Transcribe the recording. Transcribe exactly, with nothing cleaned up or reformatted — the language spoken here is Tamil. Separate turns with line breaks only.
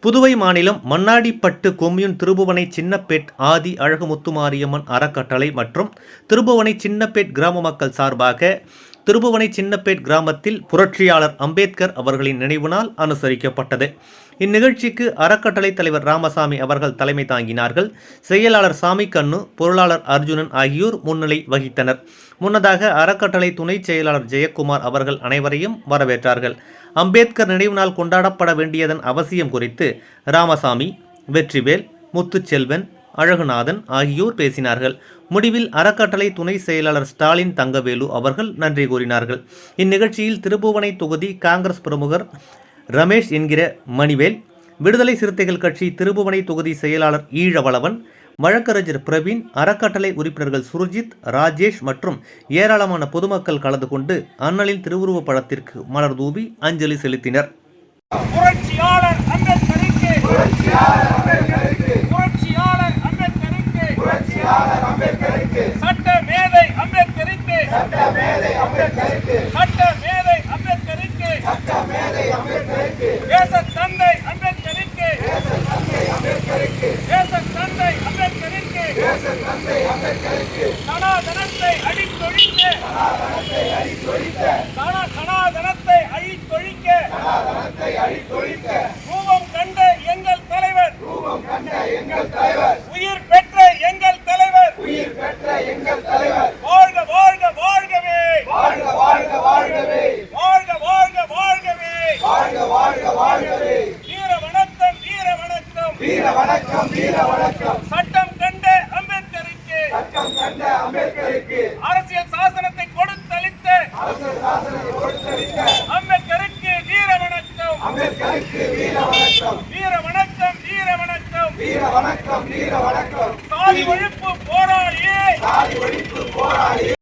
புதுவை மாநிலம் மண்ணாடிப்பட்டு கொம்யூன் திருபுவனை சின்னப்பேட் ஆதி அழகுமுத்துமாரியம்மன் அறக்கட்டளை மற்றும் திருபுவனை சின்னப்பேட் கிராம மக்கள் சார்பாக திருபுவனை சின்னப்பேட் கிராமத்தில் புரட்சியாளர் அம்பேத்கர் அவர்களின் நினைவு நாள் அனுசரிக்கப்பட்டது. இந்நிகழ்ச்சிக்கு அறக்கட்டளை தலைவர் ராமசாமி அவர்கள் தலைமை தாங்கினார்கள். செயலாளர் சாமிக்கண்ணு, பொருளாளர் அர்ஜுனன் ஆகியோர் முன்னிலை வகித்தனர். முன்னதாக அறக்கட்டளை துணை செயலாளர் ஜெயக்குமார் அவர்கள் அனைவரையும் வரவேற்றார்கள். அம்பேத்கர் நினைவு நாள் கொண்டாடப்பட வேண்டியதன் அவசியம் குறித்து ராமசாமி, வெற்றிவேல், முத்துச்செல்வன், அழகுநாதன் ஆகியோர் பேசினார்கள். முடிவில் அறக்கட்டளை துணை செயலாளர் ஸ்டாலின் தங்கவேலு அவர்கள் நன்றி கூறினார்கள். இந்நிகழ்ச்சியில் திருபுவனை தொகுதி காங்கிரஸ் பிரமுகர் ரமேஷ் என்கிற மணிவேல், விடுதலை சிறுத்தைகள் கட்சி திருபுவனை தொகுதி செயலாளர் ஈழவளவன், வழக்கறிஞர் பிரவீன், அறக்கட்டளை உறுப்பினர்கள் சுர்ஜித், ராஜேஷ் மற்றும் ஏராளமான பொதுமக்கள் கலந்து கொண்டு அண்ணலின் திருவுருவப் படத்திற்கு மலர் தூவி அஞ்சலி செலுத்தினர்.
புரட்சியாளர் அம்பேத்கருக்கு, புரட்சியாளர் அம்பேத்கருக்கு, புரட்சியாளர் அம்பேத்கருக்கு, புரட்சியாளர் அம்பேத்கருக்கு, சட்ட மேதை அம்பேத்கருக்கு, சட்ட மேதை அம்பேத்கருக்கு, சட்ட மேதை அம்பேத்கருக்கு, சட்ட மேதை அம்பேத்கருக்கு, தேச தந்தை அம்பேத்கருக்கு, தேச தந்தை அம்பேத்கருக்கு, தேச தந்தை அம்பேத்கருக்கு, தேச தந்தை அம்பேத்கருக்கு, சனாதனத்தை அழித்தொழிக்க, சனாதனத்தை அழித்தொழிக்க, சனாதனத்தை அழித்தொழிக்க, சனாதனத்தை அழித்தொழிக்க, ரூபம் கண்ட எங்கள் தலைவர், ரூபம் கண்ட எங்கள் தலைவர், உயிர் பெற்ற எங்கள் தலைவர், உயிர் பெற்ற எங்கள் தலைவர், வாழ்க வாழ்க வாழ்கவே, வாழ்க வாழ்க வாழ்கவே, வாழ்க வாழ்க வாழ்கவே, வாழ்க வாழ்க வாழ்கவே, வீர வணக்கம் வீர வணக்கம், வீர வணக்கம் வீர வணக்கம், சட்டம் கண்ட அம்பேத்கருக்கு, சட்டம் கண்ட அம்பேத்கருக்கு, அரசியல் சாசனத்தை கொடுத்தளித்த, அரசியல் சாசனத்தை கொடுத்தளித்த அம்பேத்கருக்கு வீர வணக்கம், அம்பேத்கருக்கு வீர வணக்கம், வீர வணக்கம் வீர வணக்கம், வீர வணக்கம் வீர வணக்கம், சாதி ஒழிப்பு போராளி, சாதி ஒழிப்பு போராளி.